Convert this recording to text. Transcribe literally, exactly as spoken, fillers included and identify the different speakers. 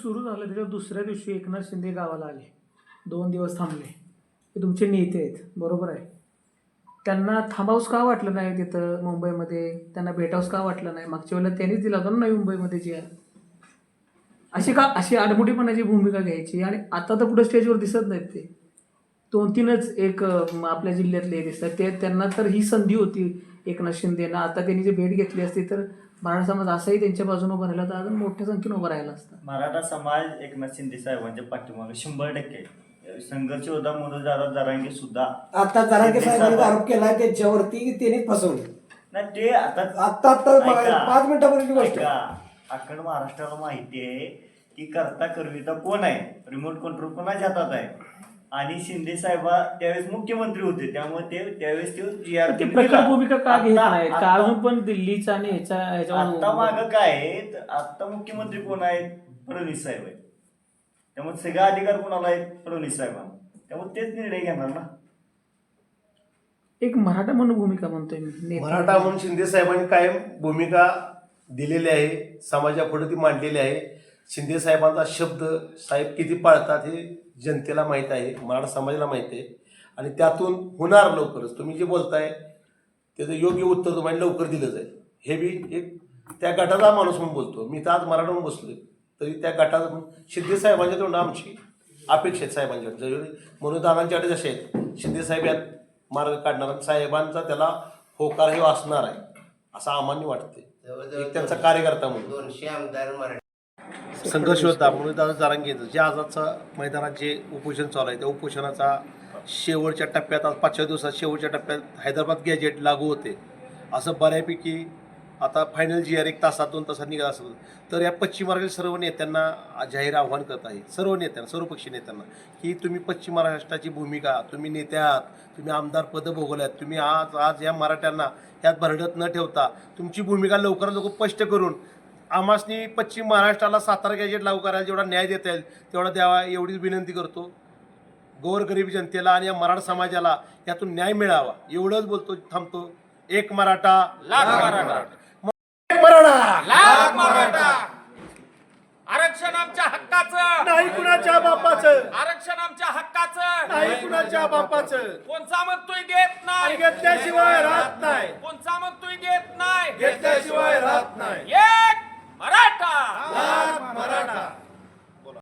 Speaker 1: सुरू झालं त्याच्या दुसऱ्या दिवशी एकनाथ शिंदे गावाला आले, दोन दिवस थांबले. ते तुमचे नेते आहेत, बरोबर आहे. त्यांना थांबावंच का वाटलं नाही तिथं मुंबईमध्ये, त्यांना भेटावंच का वाटलं नाही? मागच्या वेळेला त्यांनीच दिला होता ना नवी मुंबईमध्ये जी आहे, अशी का अशी आडमुठीपणाची भूमिका घ्यायची. आणि आता तर कुठं स्टेजवर दिसत नाहीत ते, दोन तीनच एक आपल्या जिल्ह्यातले दिसतात ते. त्यांना तर ही संधी होती एकनाथ शिंदेना. आता त्यांनी जी भेट घेतली असती तर मराठा समाज असाही त्यांच्या बाजूने उभा राहिला तर अजून मोठ्या संख्येने उभा राहिला असता.
Speaker 2: मराठा समाज एकनाथ शिंदे साहेबांच्या पाठीमागे शंभर टक्के संघर्ष होता. मनोज दादा जरांगे सुद्धा
Speaker 3: आता जरांगे साहेबांनी आरोप केलाय त्यांच्यावरती की त्यांनीच फसवले.
Speaker 2: नाही ते आता
Speaker 3: आता आता पाच मिनिटापर्यंत गोष्ट
Speaker 2: अखंड महाराष्ट्राला माहिती आहे की करता करविता कोण आहे, रिमोट कंट्रोल कोणाच्या हातात आहे. आणि शिंदे साहेबा त्यावेळेस मुख्यमंत्री होते, त्यामुळे ते त्यावेळेस ते जी आर
Speaker 1: ते प्रखर भूमिका का घेत नाहीत का अजून पण दिल्लीचा आणि ह्याच्या
Speaker 2: आता मागं काय आहे, आता मुख्यमंत्री कोण आहेत, फडणवीस साहेब आहेत. त्यामुळे सगळा अधिकार कोणाला आहेत, फडणवीस साहेबांना. त्यामुळे तेच निर्णय घेणार ना.
Speaker 1: एक मराठा म्हणून भूमिका म्हणतोय मी,
Speaker 4: मराठा म्हणून शिंदे साहेबांनी कायम भूमिका दिलेली आहे, समाजापुढे ती मांडलेली आहे. शिंदे साहेबांचा शब्द साहेब किती पाळतात हे जनतेला माहीत आहे, मराठा समाजाला माहीत आहे. आणि त्यातून होणार लवकरच. तुम्ही जे बोलताय त्याचं योग्य उत्तर तुम्हाला लवकर दिलं जाईल. हे बी एक त्या गटाचा माणूस म्हणून बोलतो मी. तर आज मराठा म्हणून बसलोय तरी त्या गटाचा शिंदे साहेबांच्या तोंड आमची अपेक्षा आहेत साहेबांच्याकडे. जरी म्हणून दादांच्याकडे जसे आहेत शिंदे साहेब यात मार्ग काढणार, साहेबांचा त्याला होकार हे असणार आहे असं आम्हाला वाटते. एक त्यांचा कार्यकर्ता म्हणून
Speaker 3: दोनशे आमदार मराठी
Speaker 4: संघर्ष होता म्हणून दादा जरांगेचं जे आजचा मैदानात जे उपोषण चालू आहे त्या उपोषणाचा शेवटच्या टप्प्यात, आज पाचव्या दिवसात शेवटच्या टप्प्यात हैदराबाद गॅजेट लागू होते असं बऱ्यापैकी आता फायनल जी आर एक तासात दोन तासात निघत असेल. तर या पश्चिम महाराष्ट्रातील सर्व नेत्यांना जाहीर आव्हान करत आहे, सर्व नेत्यांना, सर्वपक्षीय नेत्यांना, की तुम्ही पश्चिम महाराष्ट्राची भूमिका, तुम्ही नेते आहात, तुम्ही आमदार पदं भोगवल्यात, तुम्ही आज आज या मराठ्यांना यात भरडत न ठेवता तुमची भूमिका लवकरात लवकर स्पष्ट करून आम्हासनी पश्चिम महाराष्ट्राला सातारा गॅजेट लागू करायला जेवढा न्याय देता येईल तेवढा द्यावा एवढीच विनंती करतो. गोरगरीब जनतेला आणि या मराठा समाजाला यातून न्याय मिळावा एवढंच बोलतो, थांबतो. एक मराठा
Speaker 5: लाख मराठा,
Speaker 4: एक मराठा
Speaker 5: लाख मराठा. आरक्षण आमच्या हक्काचं
Speaker 4: नाही कुणाच्या बापाचं,
Speaker 5: आरक्षण आमच्या हक्काचं
Speaker 4: नाही कुणाच्या बापाचं.
Speaker 5: कोणचा म्हणतोय देत नाही,
Speaker 4: घेतल्याशिवाय राहत नाही,
Speaker 5: कोणचा म्हणतोय देत नाही,
Speaker 4: घेतल्याशिवाय राहत नाही.
Speaker 5: एक मराठा,
Speaker 4: लाख मराठा.